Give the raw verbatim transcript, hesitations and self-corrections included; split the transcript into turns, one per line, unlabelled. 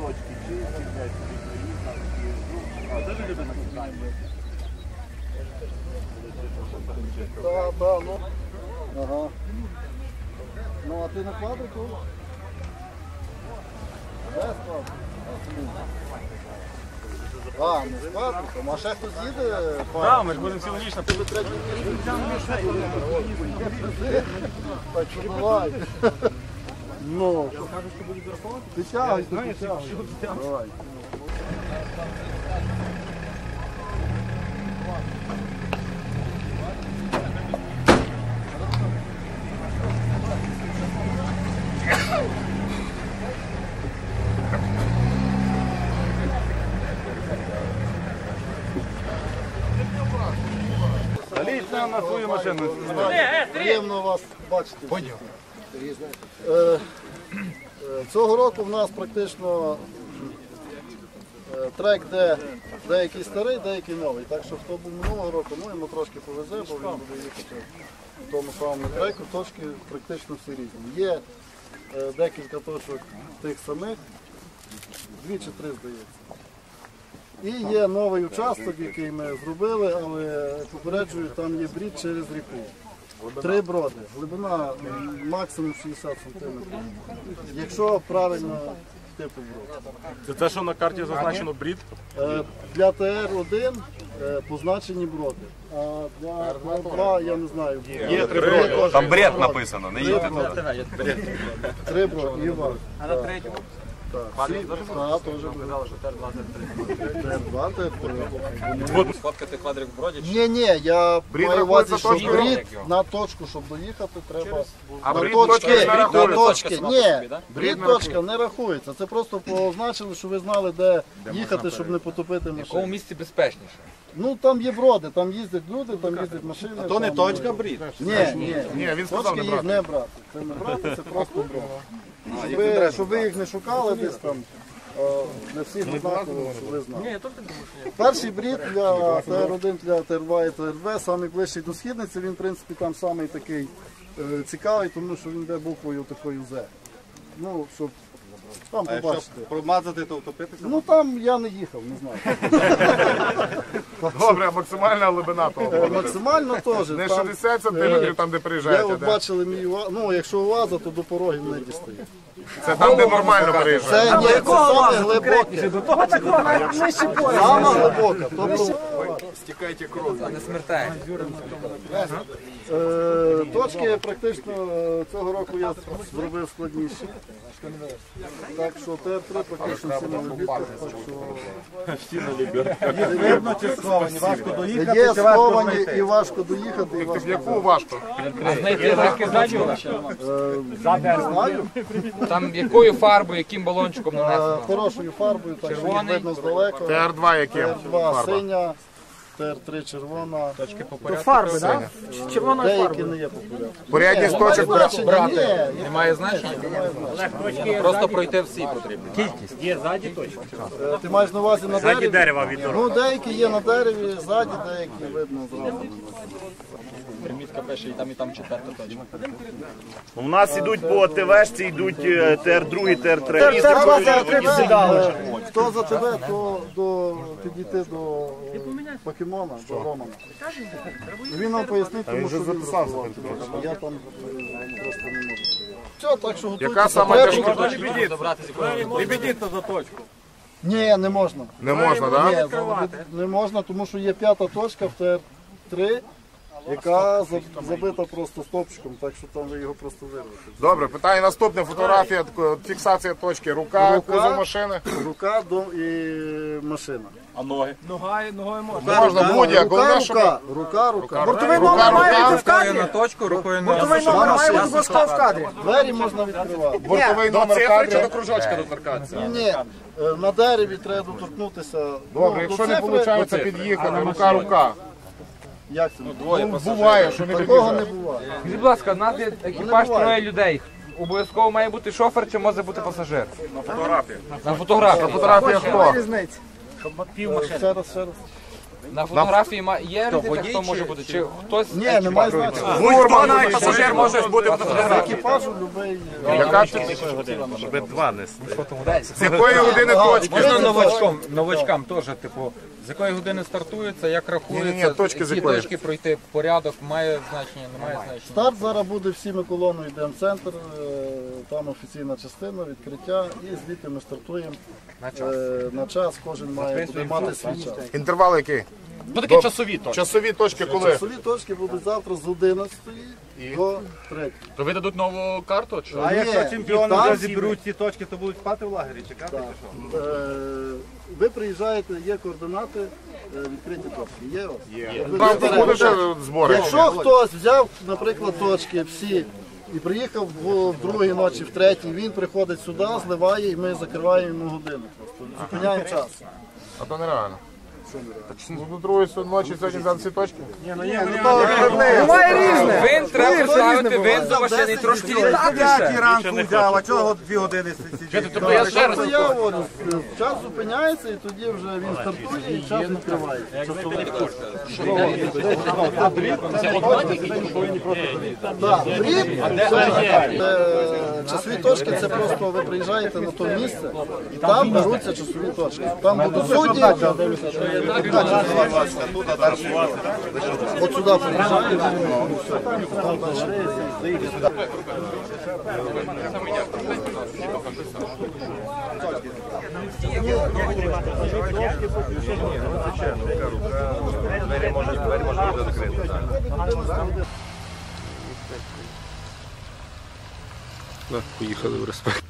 точки чисті, блядь, а де ви любите на
Так, так, ну. Ага. Ну, а ти на квадрику? Де складно? А, не з квадриком. А ще хтось їде?
Так, ми ж будемо цілу ніч на тебе.
Так, що давай. Ну. Ти тягай, ти тягай. Давай.
Залізь на, на свою машину.
Приємно вас бачити. Е, е, Цього року в нас практично е, трек, де деякий старий, деякий новий. Так що хто був минулого року, ну йому трошки повезе, бо він буде їхати в тому самому треку. Точки практично всі різні. Є е, декілька точок тих самих, дві чи три, здається. І є новий участок, який ми зробили, але попереджую, там є брід через ріку. Три броди. Глибина максимум шістдесят сантиметрів. Якщо правильно типу брод.
Це те, що на карті зазначено брід?
Е, Для Т Р один е, позначені броди. А для Т Р два я не знаю.
Є три броди.
Там бред написано, не їдьте туди.
Три броди. Іван.
А на третьому?
Так, теж буде. Т Р два, Т Р три.
Сфоткати квадрик в броді?
Ні, ні, я
Брід
маю увазі,
рахується
що
точкою?
брід на точку, щоб доїхати, треба
А
на
брід
точки,
точкою не
на
рахується?
точки. Ні,
да?
брід точка не рахується. Це просто позначили, що ви знали, де їхати, щоб не потопити
В якому
машину.
місці безпечніше?
Ну там є броди, там їздять люди, там їздять машини. А то не точка брід? Ні, ні.
Ні, він сказав
Точки
не
їх
брати.
не брати. Це не брати, це просто брати. Щоб ви, щоб ви їх не шукали десь там. е, Для всіх однаково, щоб ви знали. Перший брід для Т Р один, для Т Р два і Т Р В, самий ближчий до східниці, він в принципі там самий такий е, цікавий, тому що він йде буквою такою З. Ну, щоб там побачити.
Промазати, то втопитися?
Ну там я не їхав, не знаю.
Добре, а максимальна глибина того.
Е, Максимально теж.
Не
там,
шістдесят сантиметрів там, де
Я
приїжджаєте.
от
де?
бачили мій УАЗ, ну якщо УАЗа, то до порогів не дістає.
Це там, де нормально приїжджаєте.
Це, ні, це саме глибоке. Саме глибоке. Тобто
А не смертає.
е, точки практично е, цього року я зробив складніші. Так що Т Р три практично всі на лебідках.
Видно, чи сховані, важко доїхати,
Є
чи важко
сховані
знайти?
і важко доїхати, і важко
Яку важко?
Знайти знаки ззаді?
не знаю.
Там якою фарбою, яким балончиком
Е,
нанесено?
Хорошою фарбою, так що їх видно здалека.
Т Р два
Т
яким?
Р два синя, Т Р три червона.
Фарби, так? Червоною
Деякі
фарбою.
не є популярні.
Порядність точок
Значення, ні,
Немає значення? Просто пройти всі потрібно.
Є ззаді точно.
Е, Ти маєш на увазі на дереві?
дерева від
Ну, деякі є на дереві, ззаді, деякі видно зразу.
Примітка пише і там, і там четверта точка.
У нас йдуть по ТВшці, йдуть Т Р два, Т Р три.
Т Р два, Т Р три сідали. Хто за тебе, то до, підійти до е, покемона, до Романа. Він нам пояснить, тому що він записався. Я там е, просто не можу. Все, так що готуйтеся.
Яка сама
Треба-
тяжка?
Лебедіться за точку.
Ні, не можна.
Не можна,
Ні,
так?
залебед- не можна, тому що є п'ята точка в Т Р три, яка за- забита просто стопчиком, так що там ви його просто вирвете.
Добре, питання наступне. Фотографія, тако- фіксація точки. Рука,
Рука.
кузов машини.
Рука до і машина.
Ногою, ногою можна.
Можна будь-як.
Рука,
Головне, щоб...
рука, рука, рука.
Бортовий
Рука,
номер має
рука.
бути в кадрі.
На точку, рукою не
Бортовий номер має бути обов'язково в кадрі.
Двері можна відкривати.
Бортовий номер кадрі.
кружочка доторкатися?
Ні, е, на дереві треба доторкнутися.
Добре,
Ну,
якщо
до
не
цифри-
виходить під'їхати, рука-рука.
Як це?
Ну, буває, що не
Такого не
під'їжджає.
буває.
Скажіть, будь ласка, у нас є екіпаж
буває.
троє людей. Обов'язково має бути шофер чи може бути пасажир?
Фотографія.
На фотографії.
Фотографія хто?
Е, Ще раз, ще раз.
На фотографії ма- є різниця, хто може бути? Чи хтось
Ні, немає значення.
Будь-хто навіть пасажир може бути
З
фотографії.
екіпажу любий.
Яка
Щоб два нести.
з якої години точки?
можна новачкам, новачкам теж, типу, з якої години стартується, як рахується,
Ні-ні-ні, точки з
ці
якої?
точки пройти, порядок має значення, не має значення.
Старт зараз буде всіми колоною, йдемо в центр, е, там офіційна частина, відкриття, і звідти ми стартуємо е, на час, кожен має буде мати свій час.
Інтервал який?
Ну такі часові точки.
Часові точки коли?
Часові точки будуть завтра з одинадцятої до третьої.
То ви дадуть нову карту? Чи?
А якщо чемпіони вже
зіберуть ці точки, то будуть спати в лагері, чекати чи що?
Е, ви приїжджаєте, є координати, е, відкриті точки. Є у вас? Є.
Там буде ще збори.
Якщо хтось взяв, наприклад, точки всі і приїхав в, в другій ночі, в третій, він приходить сюди, зливає і ми закриваємо йому годину. Просто зупиняємо час.
А то нереально. Ну, до другої ночі сьогодні взяти всі точки?
Вин треба поставити, вин до машини і трошки літати.
ранку взяв, а чого дві години сидіти?
Тобто я ще раз.
Тобто я говорю, час зупиняється і тоді вже він стартує і час відкривається. Так, дріб, е, часові точки це просто ви приїжджаєте на то місце і там беруться часові точки. Там будуть судді. От сюди приїжджаєте.
Поїхали в респект.